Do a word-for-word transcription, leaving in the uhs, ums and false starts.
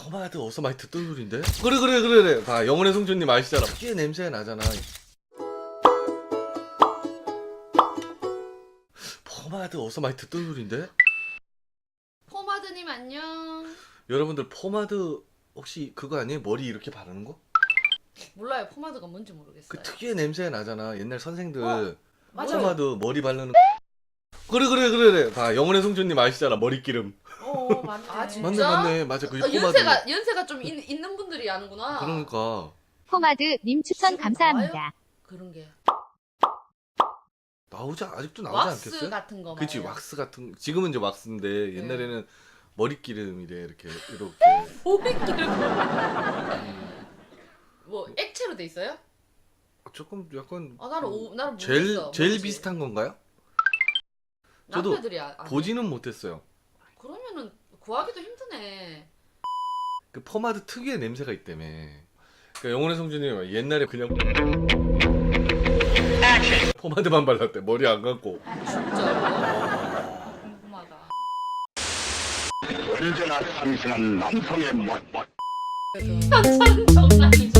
포마드 어디서 많이 듣던 소리인데? 그래 그래 그래 그래. 봐, 영혼의 성주님 아시잖아. 꽤 냄새 나잖아. 포마드 어디서 많이 듣던 소리인데? 포마드님 안녕. 여러분들 포마드 혹시 그거 아니에요? 머리 이렇게 바르는 거? 몰라요. 포마드가 뭔지 모르겠어요. 그 특유의 냄새 나잖아. 옛날 선생들 어, 맞아요. 포마드 머리 바르는 그래 그래 그래 그래. 봐, 영혼의 성주님 아시잖아. 머리기름. 어 맞네. 아, 진짜? 맞네 맞네 맞아. 그게 어, 포마드. 연세가 연세가 좀 있, 있는 분들이 아는구나. 그러니까 포마드님 추천 감사합니다. 그런 게 나오지 아직도 나오지 왁스 않겠어요? 같은 거. 그치, 말이에요. 왁스 같은. 지금은 이제 왁스인데 네. 옛날에는 머리기름이래. 이렇게 이렇게. 머리기름. 음, 뭐 액체로 돼 있어요? 조금 약간 아 나는 오, 나는 젤 모르겠어. 젤 뭔지. 비슷한 건가요? 저도 남편들이 아, 아네. 보지는 못했어요. 그러면은 구하기도 힘드네. 그 포마드 특유의 냄새가 있다며. 그러니까 영혼의 성주님 옛날에 그냥 포마드만 발랐대. 머리 안 감고. 진짜. 궁금하다. 언제나 상승한 남성의 멋, 멋. 현찰은 정상이지.